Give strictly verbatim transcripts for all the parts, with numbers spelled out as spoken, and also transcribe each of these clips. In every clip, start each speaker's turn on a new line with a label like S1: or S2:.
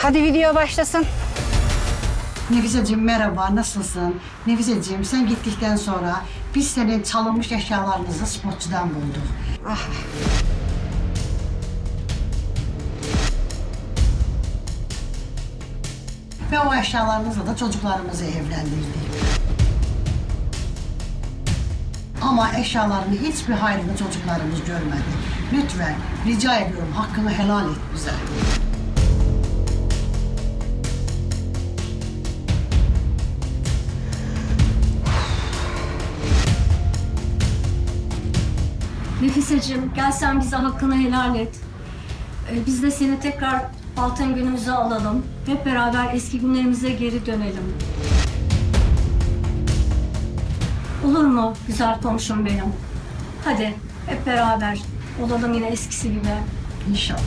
S1: Hadi video başlasın.
S2: Nefiseciğim merhaba, nasılsın? Nefiseciğim sen gittikten sonra biz senin çalınmış eşyalarınızı spotçudan bulduk.
S1: Ah.
S2: Ve o eşyalarınızla da çocuklarımızı evlendirdik. Ama eşyalarını hiçbir hayrını çocuklarımız görmedi. Lütfen rica ediyorum hakkını helal et bize.
S3: Nefiseciğim, gel sen bize hakkını helal et. Ee, biz de seni tekrar altın günümüze alalım. Hep beraber eski günlerimize geri dönelim. Olur mu güzel komşum benim? Hadi hep beraber olalım yine eskisi gibi.
S2: İnşallah.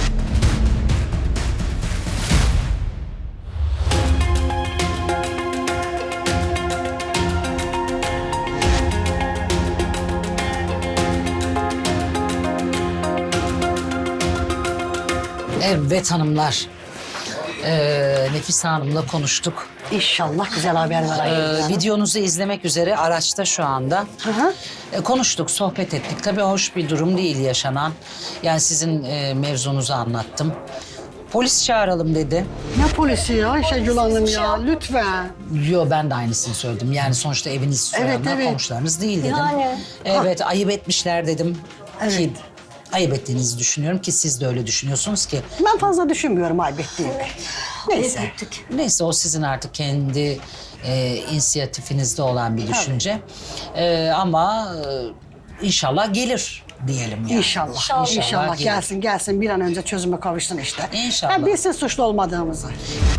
S4: Evet hanımlar. Ee, Nefise Hanım'la konuştuk.
S2: İnşallah güzel haberler
S4: Ee,
S2: ayıracağız.
S4: videonuzu izlemek üzere araçta şu anda.
S2: Hı hı.
S4: Ee, konuştuk, sohbet ettik. Tabii hoş bir durum değil yaşanan. Yani sizin e, mevzunuzu anlattım. Polis çağıralım dedi.
S2: Ne polisi ya Ayşegül Hanım ya, lütfen.
S4: Yo, ben de aynısını söyledim. Yani sonuçta eviniz soranlar
S2: Evet, evet.
S4: komşularınız değil dedim.
S3: Yani.
S4: Evet, ayıp etmişler dedim.
S2: Evet.
S4: Ki ayıp ettiğinizi düşünüyorum ki siz de öyle düşünüyorsunuz ki.
S2: Ben fazla düşünmüyorum aybettiğimi. Neyse.
S3: Ettik.
S4: Neyse o sizin artık kendi e, inisiyatifinizde olan bir düşünce. E, ama e, inşallah gelir diyelim yani.
S2: İnşallah.
S3: İnşallah.
S2: İnşallah,
S4: gelir.
S2: gelsin gelsin bir an önce çözüme kavuşsun işte.
S4: İnşallah.
S2: Ben bilsin suçlu olmadığımızı.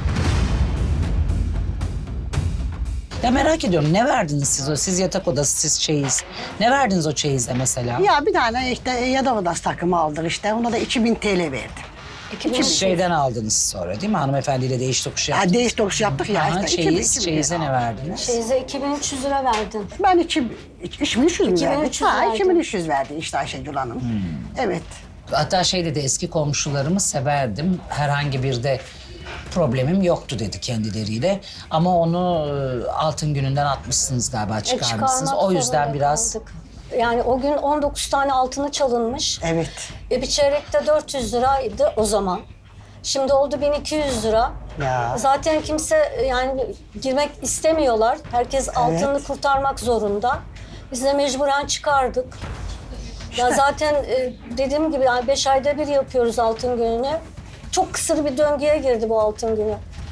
S4: Ya merak ediyorum, ne verdiniz siz o? Siz yatak odası, siz çeyiz. Ne verdiniz o çeyizde mesela?
S2: Ya bir tane işte yatak odası takımı aldık işte. Ona da iki bin T L verdim.
S3: İki bin
S4: Şeyden aldınız sonra değil mi? Hanımefendiyle değiş tokuş
S2: Ya
S4: yaptınız.
S2: değiş tokuş yaptık ya
S4: Aha,
S2: işte. iki bin,
S4: çeyiz,
S2: iki bin
S4: çeyize
S2: lira.
S4: ne verdiniz?
S3: Şeyize iki bin üç yüz lira verdin.
S2: Ben iki, iki bin üç yüz mü
S3: iki bin
S2: verdim?
S3: üç yüz
S2: Ha,
S3: verdin.
S2: iki bin üç yüz verdi işte Ayşegül Hanım.
S4: Hmm.
S2: Evet.
S4: Hatta şey dedi, eski komşularımı severdim. Herhangi bir de problemim yoktu dedi kendileriyle. Ama onu e, altın gününden atmışsınız galiba,
S3: E,
S4: çıkarmışsınız.
S3: çıkarmak
S4: O yüzden
S3: zorunda
S4: biraz...
S3: kaldık. Yani o gün on dokuz tane altını çalınmış.
S2: Evet.
S3: E, bir çeyrekte dört yüz liraydı o zaman. Şimdi oldu bin iki yüz lira.
S2: Ya.
S3: Zaten kimse yani girmek istemiyorlar. Herkes altını kurtarmak zorunda. Biz de mecburen çıkardık. Ya zaten e, dediğim gibi yani beş ayda bir yapıyoruz altın gününü. Çok kısır bir döngüye girdi bu altın günü.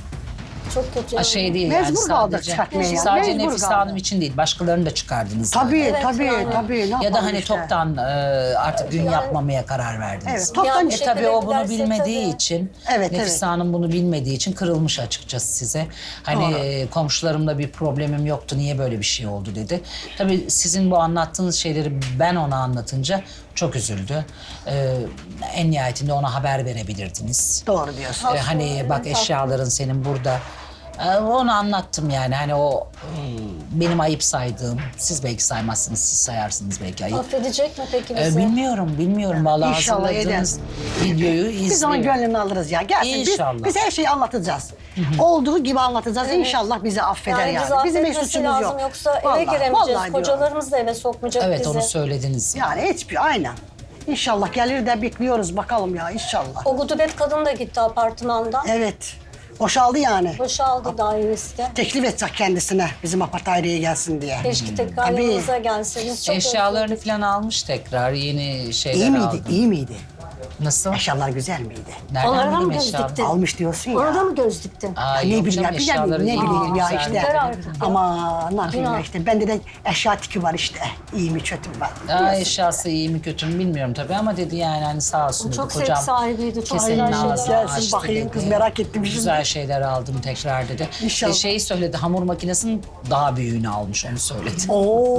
S3: Çok kötü.
S4: Ha,
S3: yani.
S4: şey değil
S2: Mecbur
S4: yani
S2: kaldık
S4: sadece,
S2: çıkartmaya yani,
S4: sadece
S2: mecbur
S4: Nefise
S2: kaldık.
S4: Hanım için değil, başkalarını da çıkardınız.
S2: Tabii
S4: galiba.
S3: Evet,
S2: tabii
S3: yani.
S2: tabii. Ne
S4: Ya da
S2: yapalım
S4: hani
S2: işte.
S4: toptan e, artık gün yapmamaya karar verdiniz.
S2: Evet, toptan
S3: Yani
S4: E
S3: şey-
S4: tabii o bunu
S3: giderse
S4: bilmediği
S3: tabii.
S4: için,
S2: Evet,
S4: Nefise
S2: evet.
S4: Hanım bunu bilmediği için kırılmış açıkçası size. Hani
S2: Doğru.
S4: e, komşularımla bir problemim yoktu, niye böyle bir şey oldu dedi. Tabii sizin bu anlattığınız şeyleri ben ona anlatınca çok üzüldü. E, en nihayetinde ona haber verebilirdiniz.
S2: Doğru diyorsun.
S4: E, hani bak eşyaların senin burada. E, onu anlattım yani hani o e, benim ayıp saydığım, siz belki saymazsınız, siz sayarsınız belki ayıp.
S3: Affedecek mi peki
S4: E,
S3: bizi?
S4: bilmiyorum, bilmiyorum. Vallahi
S2: İnşallah
S4: hazırladığınız videoyu
S2: Biz onun
S4: izliyorum.
S2: gönlünü alırız ya. Gelsin
S4: İnşallah.
S2: biz, biz her şeyi anlatacağız. Olduğu gibi anlatacağız. İnşallah bizi affeder yani.
S3: Yani bizi
S2: Bizim hiç
S3: affetmesi
S2: suçumuz
S3: lazım
S2: yok.
S3: yoksa eve
S2: Vallahi,
S3: giremeyeceğiz.
S2: vallahi diyorum.
S3: Kocalarımız da eve sokmayacak
S4: Evet,
S3: bizi.
S4: onu söylediniz.
S2: Yani hiçbir aynen. İnşallah gelir de bekliyoruz bakalım ya inşallah.
S3: O gudubet kadın da gitti apartmandan.
S2: Evet. Boşaldı yani.
S3: Boşaldı dairesi de.
S2: Teklif edecek kendisine bizim apart daireye gelsin diye.
S3: Keşke tekrar
S2: Tabii.
S3: yanımıza gelseniz. Çok
S4: Eşyalarını
S3: özledik.
S4: falan almış tekrar, yeni şeyler
S2: İyi miydi?
S4: aldı.
S2: İyi miydi?
S4: Nasıl?
S2: Eşyalar güzel miydi?
S4: Nereden
S3: Onlara mı
S4: bileyim
S3: göz
S4: eşyaları?
S3: diktin?
S2: Almış diyorsun ya.
S3: Orada mı göz diktin?
S4: Aa,
S2: ne
S4: yok
S2: bileyim ya,
S4: canım,
S2: bilmiyorum,
S4: eşyaları
S2: ne
S4: iyi.
S2: bileyim ya
S4: Güzel.
S2: işte.
S3: Yeter artık ya.
S2: Ama ne yapayım ya
S3: Günah.
S2: işte. Bende de eşya tiki var işte. İyi mi kötü mü var.
S4: Aa,
S2: Biliyorsun.
S4: eşyası iyi mi kötü mü bilmiyorum tabii ama dedi yani hani sağ olsun dedi.
S3: Çok zevk
S4: Kocam
S3: sahibiydi, çok
S4: kesenin
S3: güzel şeyler
S4: ağzını
S2: Gelsin
S4: açtı
S2: bakayım
S4: dedi.
S2: kız, merak ettim şimdi.
S4: Güzel şeyler aldım tekrar dedi.
S2: İnşallah.
S4: E, şeyi söyledi, hamur makinesinin daha büyüğünü almış, onu söyledi.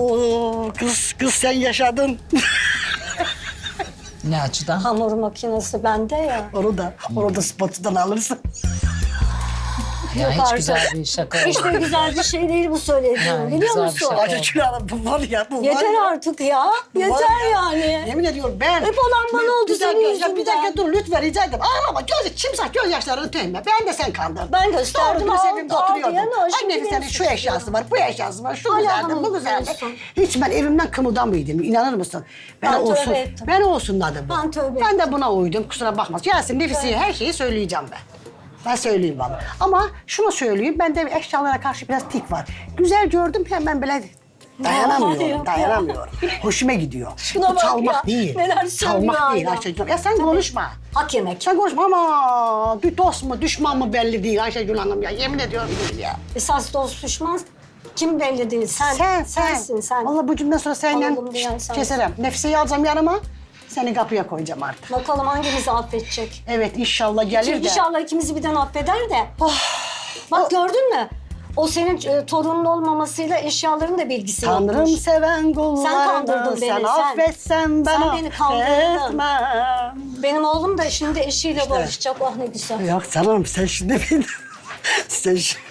S2: Oo kız kız sen yaşadın.
S4: Ne açıdan?
S3: Hamur makinesi bende ya.
S2: Onu da onu da spotçudan alırsın.
S4: Ya
S3: Yok
S4: hiç
S3: artık.
S4: güzel bir şaka
S3: Hiç de
S4: olmadı.
S3: güzel bir şey değil bu söylediğim,
S4: Yani
S3: biliyor
S4: güzel bir
S3: musun?
S4: şaka.
S2: Ayşe Gül Hanım bu var ya bu var
S3: Yeter
S2: ya.
S3: artık ya.
S2: Bu var
S3: Yeter
S2: ya.
S3: yani.
S2: Yemin ediyorum ben.
S3: Hep olan bana
S2: Bir-
S3: oldu
S2: bir dakika,
S3: senin
S2: ya
S3: yüzünden.
S2: Bir dakika dur lütfen rica ederim. Ağlama gözü çimsak göz yaşlarını tüyme. Ben de sen kandırdın.
S3: Ben gösterdim,
S2: Doğru
S3: al-
S2: dürüst evimde
S3: al
S2: oturuyordum.
S3: diyen o,
S2: Ay
S3: şimdi
S2: Nefis senin
S3: beni
S2: şu eşyası var, bu eşyası var, şu
S3: Hala
S2: güzeldi, bu
S3: hanım
S2: güzeldi.
S3: diyorsun.
S2: Hiç ben evimden kımıldanmıydım. İnanır mısın? Ben,
S3: Ben tövbe
S2: olsun,
S3: ettim.
S2: ben olsun dedim. bu.
S3: Ben tövbe
S2: Ben de buna uydum kusura bakma. Yasin Nefis'e her şeyi söyleyeceğim ben. Ben söyleyeyim bana. Ama şunu söyleyeyim, bende eşyalara karşı biraz tik var. Güzel gördüm hemen böyle dayanamıyorum,
S3: Yok ya.
S2: dayanamıyorum. Hoşuma gidiyor.
S3: Şuna
S2: Bu
S3: bak
S2: çalmak
S3: ya,
S2: değil.
S3: neler söylüyor
S2: Çalmak değil
S3: hala.
S2: Ayşegül. Ya sen konuşma.
S3: Hak yemek.
S2: Sen konuşma ama bir dost mu düşman mı belli değil Ayşegül Hanım ya. Yemin ediyorum değil ya.
S3: Esas dost düşman kim belli değil. Sen,
S2: Sen, sen.
S3: sensin sen.
S2: Vallahi bu cümleden sonra seninle
S3: Alalım diyen sensin.
S2: keserim. Nefise'yi alacağım yanıma. Seni kapıya koyacağım artık.
S3: Bakalım hangimizi affedecek.
S2: Evet inşallah gelir de.
S3: İnşallah ikimizi birden affeder de. Bak
S2: O-
S3: gördün mü? O senin e, torunun olmamasıyla eşyaların da bilgisi
S2: Tanrım
S3: yokmuş.
S2: seven kullarını
S3: Sen kandırdın beni,
S2: sen
S3: sen.
S2: affetsen ben
S3: Sen beni kandırdın.
S2: affetmem.
S3: Benim oğlum da şimdi eşiyle barışacak. Oh ne güzel.
S2: Yok canım sen şimdi beni... sen şimdi...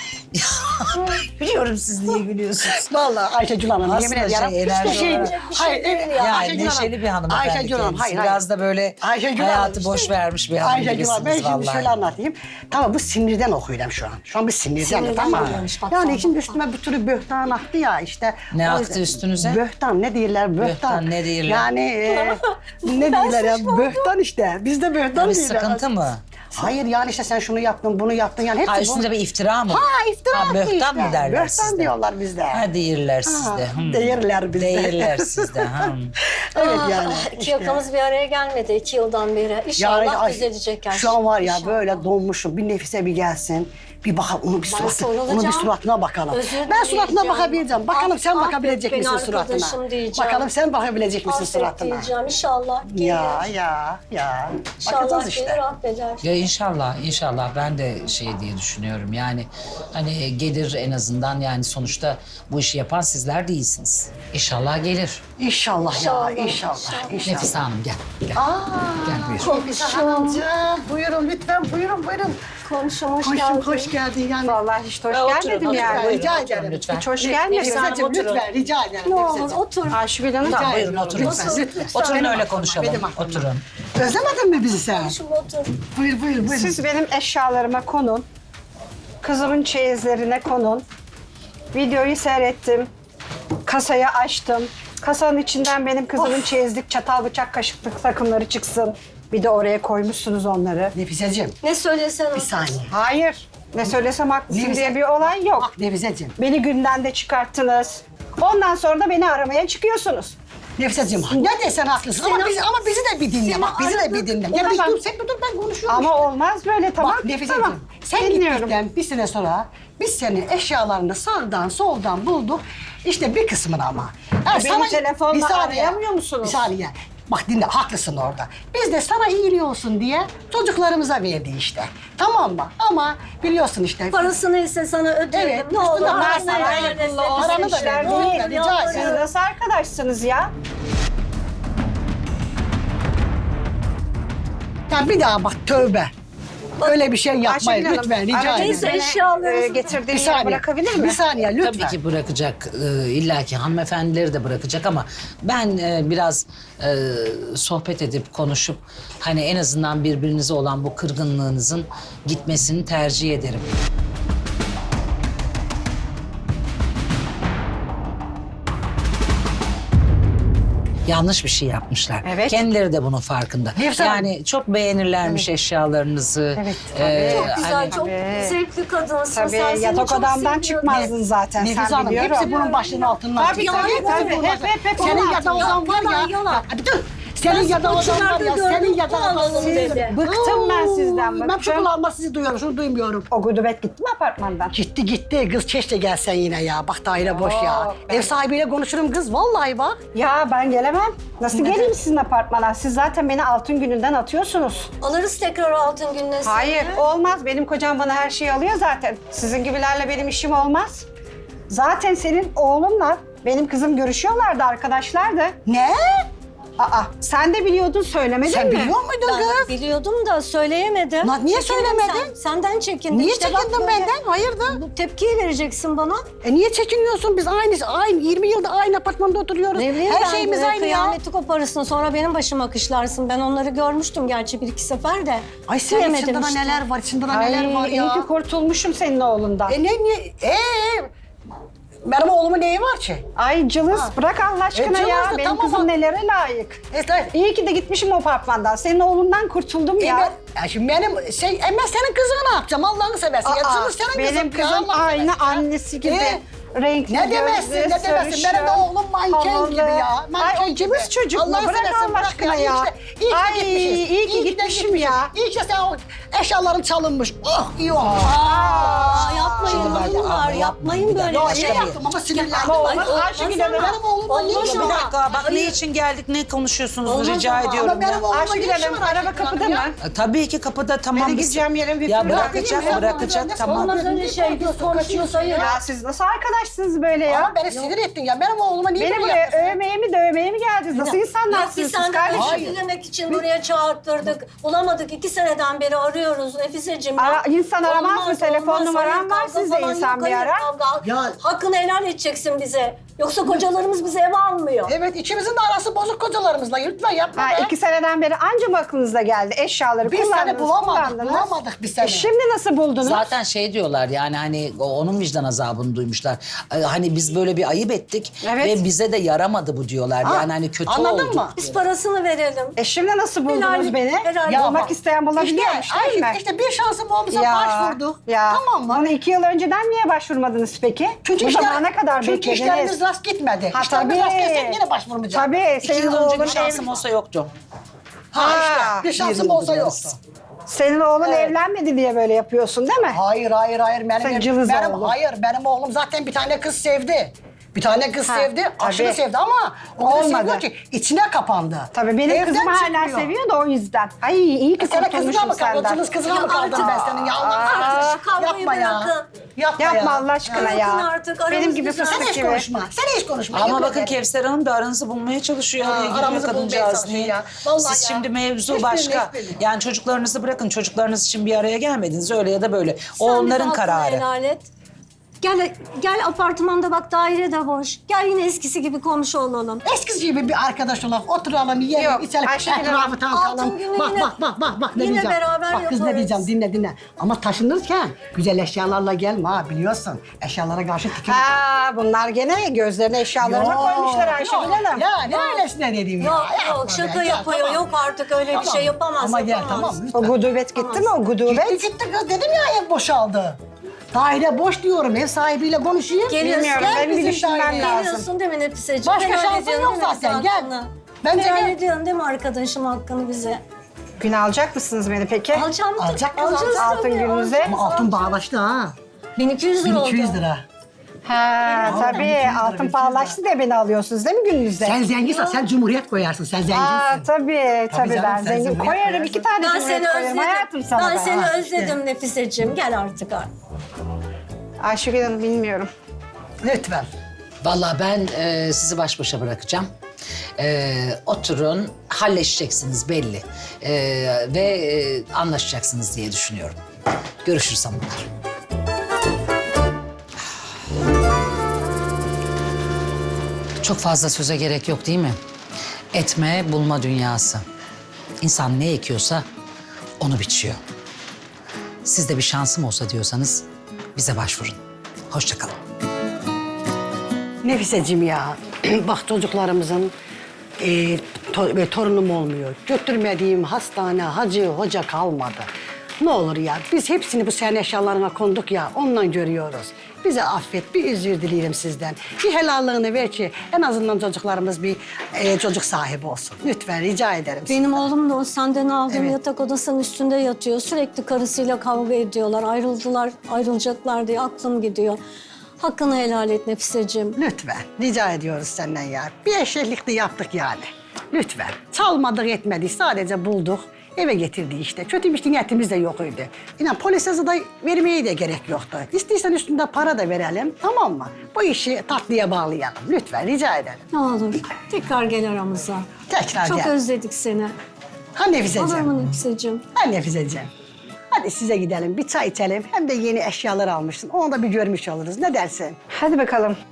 S4: Biliyorum siz niye gülüyorsunuz.
S2: Vallahi Ayşegül Hanım
S4: Aslında
S2: yemin ediyorum.
S4: şey, enerji
S2: hiçbir şey,
S4: olarak-
S3: Bir şey
S2: hayır,
S3: değil
S2: evet,
S3: ya.
S4: Yani
S2: Ayşegül Hanım,
S4: neşeli bir hanımefendi
S2: Ayşegül Hanım,
S4: kendisi.
S2: hayır, hayır.
S4: Biraz da böyle
S2: Ayşegül
S4: hayatı
S2: Hanım,
S4: boş
S2: işte-
S4: vermiş bir hanım
S2: Ayşegül Hanım, ben
S4: gibisiniz
S2: şimdi
S4: vallahi.
S2: şöyle anlatayım. Tamam bu sinirden okuyorum şu an. Şu an bir sinirden.
S3: Sinirden
S2: tamam mı?
S3: oluyormuş, bak
S2: Yani
S3: sen,
S2: şimdi
S3: bak
S2: üstüme bir türlü böhtan attı ya işte.
S4: Ne
S2: O
S4: attı
S2: yüzden-
S4: üstünüze?
S2: Böhtan ne diyorlar böhtan.
S4: Böhtan ne diyorlar?
S2: Yani e, ne diyorlar ya böhtan işte. Bizde böhtan
S4: Bir
S2: diyorlar.
S4: sıkıntı mı?
S2: Hayır yani işte sen şunu yaptın bunu yaptın yani hepsi
S4: Ha
S2: bu.
S4: üstünde bir iftira mı?
S2: Ha iftira
S4: Ha,
S2: attı
S4: böhtan
S2: işte.
S4: mı derler
S2: Böhtan
S4: sizde?
S2: diyorlar bizde.
S4: Ha değirler sizde. Hmm.
S2: Değirler bizde.
S4: Değirler sizde. Hmm.
S2: Evet
S3: Ah,
S2: yani.
S3: ah, iki
S2: işte.
S3: yakamız bir araya gelmedi iki yıldan beri. İnşallah
S2: Yani ay,
S3: düzelecek her
S2: Şu an var ya
S3: İnşallah.
S2: böyle donmuşum. Bir Nefise bir gelsin. Bir bakalım onun bir suratı,
S3: sorulacağım.
S2: onun bir suratına bakalım.
S3: Özür
S2: Ben suratına
S3: dileyeceğim.
S2: bakabileceğim. Bakalım sen
S3: Ah,
S2: bakabilecek
S3: affet
S2: misin
S3: beni
S2: suratına?
S3: arkadaşım diyeceğim.
S2: Bakalım sen bakabilecek misin
S3: Affet
S2: suratına?
S3: diyeceğim inşallah gelir.
S2: Ya ya ya.
S3: İnşallah
S2: Bakacağız
S3: gelir
S2: işte.
S3: affeder.
S4: Ya inşallah, inşallah ben de şey diye düşünüyorum. Yani hani gelir en azından yani sonuçta bu işi yapan sizler değilsiniz. İnşallah gelir.
S2: İnşallah,
S3: İnşallah,
S2: ya inşallah.
S3: inşallah.
S2: inşallah.
S4: Nefise Hanım gel. Gel,
S2: Aa,
S4: gel buyur.
S2: Nefise Hanımcığım buyurun lütfen buyurun buyurun.
S3: Komşum hoş
S2: Hoş,
S3: geldin.
S2: hoş geldin yani.
S1: Vallahi hiç hoş
S4: Ya oturun,
S1: gelmedim
S4: oturun,
S1: yani.
S4: buyurun,
S2: Rica
S4: oturun
S2: ederim.
S4: lütfen.
S1: Hiç hoş
S3: Nefise
S1: gelmedim.
S3: Hanım,
S2: Nefiseciğim
S3: oturun.
S2: lütfen rica ederim.
S3: Ne olur
S2: Nefiseciğim.
S3: otur.
S1: Ayşegül Hanım.
S4: Tamam
S2: Rica
S4: buyurun
S2: ediyorum,
S4: oturun.
S2: lütfen,
S3: Otur.
S2: lütfen.
S4: Oturun
S2: Benim
S4: öyle
S2: aklıma,
S4: konuşalım.
S2: benim aklıma.
S4: Oturun.
S2: Özlemedin mi bizi sen?
S3: Komşum otur.
S2: Buyur buyur buyur.
S1: Siz benim eşyalarıma konun. Kızımın çeyizlerine konun. Videoyu seyrettim. Kasayı açtım. Kasanın içinden benim kızımın çeyizlik çatal bıçak kaşıklık takımları çıksın. Bir de oraya koymuşsunuz onları.
S2: Nefiseciğim
S3: Ne söylesen
S2: bir saniye.
S1: Hayır. Ne söylesem haklısın
S2: Nefise-
S1: diye bir olay yok.
S2: Bak Nefiseciğim.
S1: Beni günden de çıkarttınız. Ondan sonra da beni aramaya çıkıyorsunuz.
S2: Nefiseciğim ne desen haklısın ama
S3: Seni-
S2: bizi, ama bizi de bir dinle
S3: Seni
S2: bak bizi de
S3: aradım.
S2: bir dinle. Ya bir
S1: Tamam.
S2: dur sen bir dur ben konuşuyorum
S1: Ama
S2: işte.
S1: olmaz böyle tamam.
S2: Bak Nefiseciğim
S1: Tamam.
S2: sen
S1: Dinliyorum.
S2: gittikten bir sene sonra biz senin eşyalarını sağdan soldan bulduk. İşte bir kısmını ama. Ha,
S1: Beni telefonla
S2: bir saniye,
S1: arayamıyor musunuz?
S2: Bir saniye. Bak dinle haklısın orada. Biz de sana iyiliği olsun diye çocuklarımıza verdi işte. Tamam mı? Ama biliyorsun işte.
S3: Parası neyse sana ödeyelim.
S2: Evet,
S3: Ne olur.
S2: üstüne
S3: Paranı
S2: versin,
S3: ver,
S2: aynen.
S3: nefes
S2: Paranı
S3: nefes
S2: da
S3: işler
S2: ver,
S3: değil,
S2: lütfen, rica
S3: yalvarırım.
S2: ederim.
S1: Siz nasıl arkadaşsınız ya?
S2: Ya bir daha bak tövbe. Öyle bir şey yapmayın
S1: Ayşegül Hanım,
S2: lütfen rica
S1: aracınızı
S2: ederim.
S3: Neyse,
S1: beni,
S3: eşyalarınızı-
S1: e, getirdiğim
S2: Bir
S1: yere
S2: saniye.
S1: bırakabilir mi?
S2: Bir saniye lütfen.
S4: Tabii ki bırakacak. Ee, İlla ki hanımefendileri de bırakacak ama ben e, biraz e, sohbet edip konuşup hani en azından birbirinize olan bu kırgınlığınızın gitmesini tercih ederim. Yanlış bir şey yapmışlar.
S1: Evet.
S4: Kendileri de bunun farkında.
S2: Nefse Hanım.
S4: Yani çok beğenirlermiş eşyalarınızı.
S1: Evet,
S4: Ee,
S3: Çok güzel,
S4: hani-
S3: çok
S1: Tabii.
S3: zevkli kadınsın.
S1: Tabii
S3: sen seni
S1: yatak
S3: çok
S1: odamdan
S3: seviyorum.
S1: çıkmazdın zaten
S2: Nefis
S1: sen
S2: Hanım
S1: biliyorum.
S2: hepsi bunun başının altından
S1: Tabii,
S2: çıktı.
S1: tabii,
S2: Hepsi
S1: tabii.
S2: bunun
S1: Hep,
S2: başının-
S1: hep, hep.
S2: Senin
S3: Yalan,
S2: yatak odan var ya.
S3: yalan, yalan.
S2: Ya, bir dur. Senin
S3: Ben
S2: yatak odan var
S3: sporcularda
S2: ya.
S3: gördüm,
S2: Senin yatak odan
S3: kullanalım dedi.
S1: Bıktım ben sizden,
S2: Ben şu
S1: bıktım.
S2: kulağıma sizi duyuyorum, şunu duymuyorum.
S1: O gudubet gitti mi apartmandan?
S2: Gitti gitti kız keşke gelsen yine ya. Bak daire boş ya.
S1: Yok, ben-
S2: Ev sahibiyle konuşurum kız vallahi bak.
S1: Ya ben gelemem. Nasıl
S2: Neden?
S1: geleyim sizin apartmana? Siz zaten beni altın gününden atıyorsunuz.
S3: Alırız tekrar altın gününe seni.
S1: Hayır olmaz. Benim kocam bana her şeyi alıyor zaten. Sizin gibilerle benim işim olmaz. Zaten senin oğlunla benim kızım görüşüyorlardı, arkadaşlardı.
S2: Ne?
S1: Aa, sen de biliyordun, söylemedin
S2: Sen
S1: mi?
S2: biliyor muydun
S3: Ben
S2: kız?
S3: biliyordum da söyleyemedim.
S2: Lan niye
S3: Çekindim
S2: söylemedin?
S3: sen- senden çekindim.
S2: Niye
S3: İşte bak
S2: çekindin
S3: böyle
S2: benden? Hayırdır?
S3: Bu tepkiyi vereceksin bana.
S2: E niye çekiniyorsun? Biz aynı, aynı yirmi yılda aynı apartmanda oturuyoruz.
S3: Ne bileyim
S2: Her
S3: ben,
S2: şeyimiz
S3: e,
S2: aynı ya.
S3: kıyameti koparırsın sonra benim başıma kışlarsın. Ben onları görmüştüm gerçi bir iki sefer de.
S2: Ay sen
S3: Bilemedim
S2: içinde
S3: işte.
S2: neler var, içinde
S1: Ay,
S2: neler var ya.
S1: iyi ki kurtulmuşum senin oğlundan.
S2: E ne, ne, ee, benim oğlumun neyi var ki?
S1: Ay Cılız, bırak Allah aşkına
S2: E,
S1: ya.
S2: cılız da
S1: Benim
S2: tamam
S1: kızım
S2: bak.
S1: nelere layık.
S2: E, ta-
S1: İyi ki de gitmişim o apartmandan. Senin oğlundan kurtuldum
S2: e,
S1: ya.
S2: ben, ya şimdi benim, şey, e ben senin kızını ne yapacağım? Allah'ını seversin. ya,
S1: Aa,
S2: Cılız senin kızın.
S1: benim
S2: ya,
S1: kızım
S2: Allah'ını
S1: aynı
S2: seversen.
S1: annesi gibi.
S2: E,
S1: Renkli
S2: Ne demezsin,
S1: gözlü,
S2: ne demezsin. Benim de oğlum manken
S1: havalı.
S2: gibi ya. Manken
S1: Ay o cılız
S2: gibi.
S1: çocuk mu?
S2: Allah'ını
S1: Bırak
S2: seversen
S1: Allah
S2: bırak
S1: aşkına
S2: İyi
S1: ya.
S2: ki de- iyi ki de
S1: Ay
S2: gitmişiz.
S1: iyi ki
S2: de
S1: gitmişim
S2: gitmişiz.
S1: ya.
S2: İyi ki sen o eşyaların çalınmış. Oh iyi olmuş.
S3: Aa, yapmayın
S4: Şimdi bak,
S3: bunlar,
S4: ama
S3: yapmayın böyle
S2: Ya
S3: şey.
S2: ne yaptım ama sinirlendim.
S1: Ama
S2: Ay,
S1: olmaz,
S2: o-
S1: Ayşegül Hanım.
S2: Benim oğlumla ne
S3: Olmaz
S2: işim
S3: ama.
S2: var?
S4: Bir dakika bak ne için geldik, ne konuşuyorsunuz
S3: Olmaz
S4: rica
S3: ama.
S4: ediyorum
S2: Ama benim
S4: ya.
S2: oğlumla
S1: Ayşegül
S2: ne işim
S1: Hanım,
S2: var?
S1: araba kapıda mı?
S4: E, Tabii ki kapıda tamam.
S1: Beni
S4: biz-
S1: gideceğim yerin bir
S4: Ya
S1: fırına
S4: bırakacak,
S2: gideyim ya.
S4: bırakacak
S2: Ben de
S4: tamam.
S3: Olmaz öyle şey, biz konuşuyoruz hayır.
S1: Ya siz nasıl arkadaşsınız böyle ya?
S2: Ama beni sinir ettin ya. Benim oğluma niye
S1: Beni
S2: böyle
S1: buraya
S2: yaptın?
S1: övmeye mi dövmeye mi geldiniz? Nasıl
S3: Yok
S1: insanlarsınız
S3: biz
S1: siz
S3: senden
S1: kardeşim?
S3: özür dilemek için buraya çağırttırdık. Bulamadık. iki seneden beri arıyoruz Nefiseciğim.
S1: Ara- insan aramaz mı? Telefon
S3: olmaz.
S1: numaram
S3: Hayır,
S1: var,
S3: kavga
S1: siz de
S3: falan
S1: insan
S3: yok,
S1: bir
S3: hayır,
S1: ara.
S3: kavga.
S2: Ya-
S3: Hakkını helal edeceksin bize. Yoksa kocalarımız bizi eve almıyor.
S2: Evet ikimizin de arası bozuk kocalarımızla. Lütfen yapma
S1: Ha,
S2: be.
S1: iki seneden beri anca mı aklınıza geldi? Eşyaları
S2: Biz
S1: kullandınız,
S2: seni bulamadık,
S1: kullandınız.
S2: bulamadık biz seni.
S1: E şimdi nasıl buldunuz?
S4: Zaten şey diyorlar yani hani o- onun vicdan azabını duymuşlar. Ee, Hani biz böyle bir ayıp ettik
S1: Evet.
S4: ve bize de yaramadı bu diyorlar.
S2: Ha,
S4: Yani hani kötü
S2: anladın
S4: oldu.
S2: mı?
S3: Biz parasını verelim.
S1: E şimdi nasıl buldunuz
S3: Helal-
S1: beni?
S3: helal-
S2: Ya
S1: Bulmak
S2: bak,
S1: isteyen bulabiliyormuş
S2: işte,
S1: değil
S2: ay,
S1: mi?
S2: İşte bir şansım olmuşsa başvurduk.
S1: Ya.
S2: Tamam mı?
S1: Bunu iki yıl önceden niye başvurmadınız peki?
S2: Çünkü
S1: Bu
S2: işler-
S1: zamana kadar
S2: çünkü
S1: beklediniz.
S2: işlerimiz rast gitmedi.
S1: Ha
S2: İşlerimiz
S1: tabii.
S2: rast gitse yine başvurmayacağım.
S1: Tabii.
S4: İki
S1: Senin
S4: yıl önce
S1: oğlun
S4: bir şansım
S1: ev-
S4: olsa yoktu.
S2: Ha,
S1: Ha,
S2: işte bir
S4: bir
S2: şansım
S4: yıldır
S2: olsa
S4: yarısı.
S2: yoktu.
S1: Senin oğlun
S2: Evet.
S1: evlenmedi diye böyle yapıyorsun değil mi?
S2: Hayır hayır hayır benim
S1: Sen cılız
S2: benim
S1: oğlum.
S2: hayır benim oğlum zaten bir tane kız sevdi. Bir tane kız
S1: Ha,
S2: sevdi, aşırı
S1: tabii.
S2: sevdi ama o kadar
S1: Olmadı.
S2: seviyor ki içine kapandı.
S1: Tabii benim
S2: Evden
S1: kızım hala
S2: çıkmıyor.
S1: seviyor da o yüzden. Ay iyi ki
S2: E, Sana kızına
S1: kurtulmuşum
S2: mı kaldın?
S1: senden.
S2: Cılız kızına
S3: Ya
S2: mı kaldın
S3: artık-
S2: ben senin ya Allah'ını
S3: Aa,
S2: seversen.
S3: şu kavgayı
S2: Yapma ya.
S3: bırakın.
S2: Yapma,
S1: Yapma
S2: ya.
S1: Allah aşkına ya.
S3: Bırakın artık, aramız
S1: Benim gibi
S3: güzel.
S2: Sen
S1: fıstık
S2: hiç
S1: gibi.
S2: konuşma. Sen hiç konuşma.
S4: Ama
S2: Yemin
S4: bakın
S2: ederim.
S4: Kevser Hanım da aranızı bulmaya çalışıyor.
S2: Ha,
S4: Oraya gidiyor
S2: aramızı bulmaya
S4: kadıncağız
S2: çalışıyor
S4: niye?
S2: ya. Vallahi
S4: Siz
S2: ya.
S4: şimdi mevzu
S2: Hiçbirini,
S4: başka.
S2: hiçbirini.
S4: Yani çocuklarınızı bırakın. Çocuklarınız için bir araya gelmediniz. Öyle ya da böyle. O
S3: Sen bize
S4: onların
S3: hakkını
S4: kararı.
S3: helal et. Gel, gel apartmanda bak daire de boş. Gel yine eskisi gibi komşu olalım.
S2: Eskisi gibi bir arkadaş olalım, oturalım, yiyelim,
S1: Yok,
S2: içelim,
S1: Ayşegül
S2: etrafı
S1: Hanım,
S2: tanıtalım.
S3: altın günü
S2: Bak,
S3: yine-
S2: bak, bak, bak, bak ne
S3: yine
S2: diyeceğim.
S3: beraber
S2: Bak kız ne
S3: yaparız.
S2: diyeceğim, dinle, dinle. Ama taşınırken güzel eşyalarla gelme ha, biliyorsun. Eşyalara karşı dikkat.
S1: Ha bunlar gene gözlerine eşyalarına
S2: Yok,
S1: koymuşlar Ayşegül
S2: yok.
S1: Hanım.
S2: Ya ne öylesine dediğim ya.
S3: Yok
S2: Yapma
S3: yok
S2: be,
S3: şaka
S2: ya,
S3: yapıyor.
S2: tamam.
S3: Yok artık öyle bir
S2: Tamam.
S3: şey yapamaz.
S2: Ama gel
S3: yapamaz.
S2: tamam
S1: O
S2: lütfen.
S1: gudubet gitti mi o gudubet?
S2: Gitti gitti kız dedim ya ev boşaldı. Daire boş diyorum, ev sahibiyle konuşayım.
S3: Geliyorsun.
S1: Bilmiyorum,
S3: Gel
S1: benim bir
S2: bizim
S1: düşünmem
S2: daireye.
S1: lazım.
S3: Geliyorsun değil mi Nefiseciğim?
S2: Başka
S3: Helal
S2: şansın
S3: ediyorsun
S2: yok
S3: değil mi
S2: zaten,
S3: bize
S2: gel.
S3: hakkını?
S2: Bence
S3: Helal
S2: gel.
S3: ediyorsun değil mi arkadaşım hakkını bize?
S1: Gün alacak mısınız beni peki?
S3: Alacağım mı?
S2: Alacak kız,
S3: Alacağız
S2: alacak.
S1: Altın
S3: tabii,
S1: gününüze.
S3: alacağız,
S2: Ama altın
S3: alacağız.
S2: bağlaştı ha.
S3: bin iki yüz lira
S2: bin
S3: oldu.
S2: iki yüz lira.
S1: Ha
S2: Altın
S1: tabii
S2: iki yüz lira,
S1: altın
S2: iki yüz
S1: pahalaştı diye beni alıyorsun değil mi gününüze?
S2: Sen zenginsin, sen cumhuriyet koyarsın, sen zenginsin.
S1: Aa tabii tabii,
S2: canım,
S1: ben
S2: sen
S1: zengin
S2: cumhuriyet
S1: koyarım
S2: koyarsın.
S1: iki tane
S3: Ben
S1: cumhuriyet
S3: seni
S1: koyarım
S3: özledim.
S1: hayatım sana
S3: Ben
S1: da.
S3: seni
S2: Ha,
S3: özledim Nefiseciğim. Gel artık artık.
S1: Ayşegül Hanım bilmiyorum.
S2: Lütfen.
S4: Vallahi ben e, sizi baş başa bırakacağım. E, oturun, halleşeceksiniz belli. E, ve e, anlaşacaksınız diye düşünüyorum. Görüşürüz hanımlar. Çok fazla söze gerek yok değil mi? Etme, bulma dünyası. İnsan ne ekiyorsa onu biçiyor. Siz de bir şansım olsa diyorsanız bize başvurun. Hoşça kalın.
S2: Nefiseciğim ya, bak çocuklarımızın e, to- ve torunum olmuyor. Götürmediğim hastane, hacı, hoca kalmadı. Ne olur ya, biz hepsini bu senin eşyalarına konduk ya, ondan görüyoruz. Bize affet, bir özür dileyelim sizden. Bir helallığını ver ki en azından çocuklarımız bir e, çocuk sahibi olsun. Lütfen rica ederim.
S3: Benim oğlum da o senden aldığım
S2: Evet.
S3: yatak odasının üstünde yatıyor. Sürekli karısıyla kavga ediyorlar. Ayrıldılar, ayrılacaklar diye aklım gidiyor. Hakkını helal et Nefiseciğim.
S2: Lütfen, rica ediyoruz senden ya. Bir eşeklik de yaptık yani. Lütfen. Çalmadık etmedik, sadece bulduk. eve getirdi işte. Kötü bir niyetimiz de yok idi. İnan polise da vermeye de gerek yoktu. İstiyorsan üstünde para da verelim, tamam mı? Bu işi tatlıya bağlayalım. Lütfen rica ederim.
S3: Ne olur tekrar gel aramıza.
S2: Tekrar
S3: Çok
S2: gel.
S3: özledik seni.
S2: Ha Nefiseciğim.
S3: Olur mu Nefiseciğim?
S2: Ha Nefiseciğim. Hadi size gidelim, bir çay içelim. Hem de yeni eşyalar almışsın. Onu da bir görmüş oluruz. Ne dersin?
S1: Hadi bakalım.